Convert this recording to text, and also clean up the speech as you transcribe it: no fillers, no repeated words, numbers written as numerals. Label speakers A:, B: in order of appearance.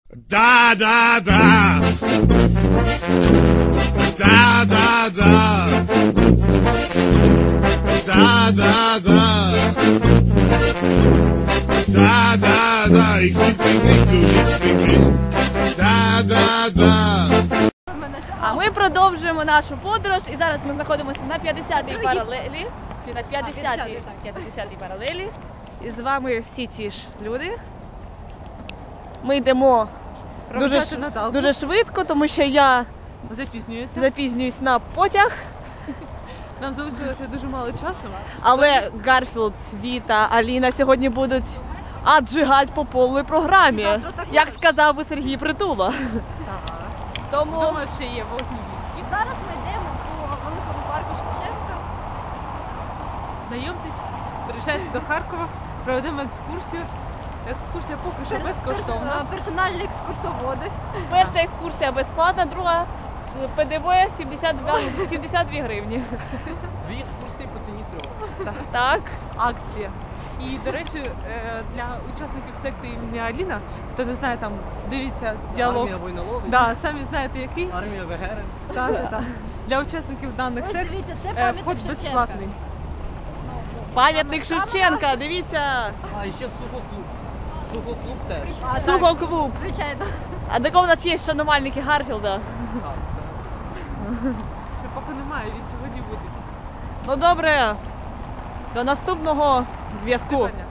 A: Да, да, да. Да, да, да. Да, да, да. Да, да, да. Да, да, да.
B: А ми продовжуємо нашу подорож, і зараз ми знаходимося на 50-й паралелі. На 50-й паралелі. І з вами всі ті ж люди. Ми йдемо дуже швидко, тому що я запізнююсь на потяг.
C: Нам залишилося дуже мало часу.
B: Але Гарфілд, Віта, Аліна сьогодні будуть аджигать по повній програмі, як сказав би Сергій Притула. Тому
C: Думаю, ще є вогні віскі.
D: Зараз ми йдемо по великому парку Шевченка.
C: Знайомтесь, приїжджайте до Харкова, проведемо екскурсію. Екскурсія поки що безкоштовна.
D: Персональні екскурсоводи.
B: перша екскурсія безплатна, друга з ПДВ 72 гривні.
E: Дві екскурсії по ціні трьох.
B: Так.
C: Акція. І, до речі, для учасників секти імені Аліна, хто не знає, там дивіться діалог.
E: Армія войноловить,
C: Да, самі знаєте який.
E: армія Вегерин.
C: Так. Для учасників даних
D: Ось
C: сект
D: дивіться, це пам'ятник
C: вход
D: Шевченка.
C: безплатний.
B: Пам'ятник Шевченка, дивіться.
E: А, і ще сухоклуб. Сухоклуб теж.
B: Сухоклуб.
D: Звичайно.
B: А до кого у нас є шанувальники Гарфілда?
E: Так, це.
C: Ще поки немає, від сьогодні будуть.
B: Ну добре, до наступного зв'язку.
C: Співання.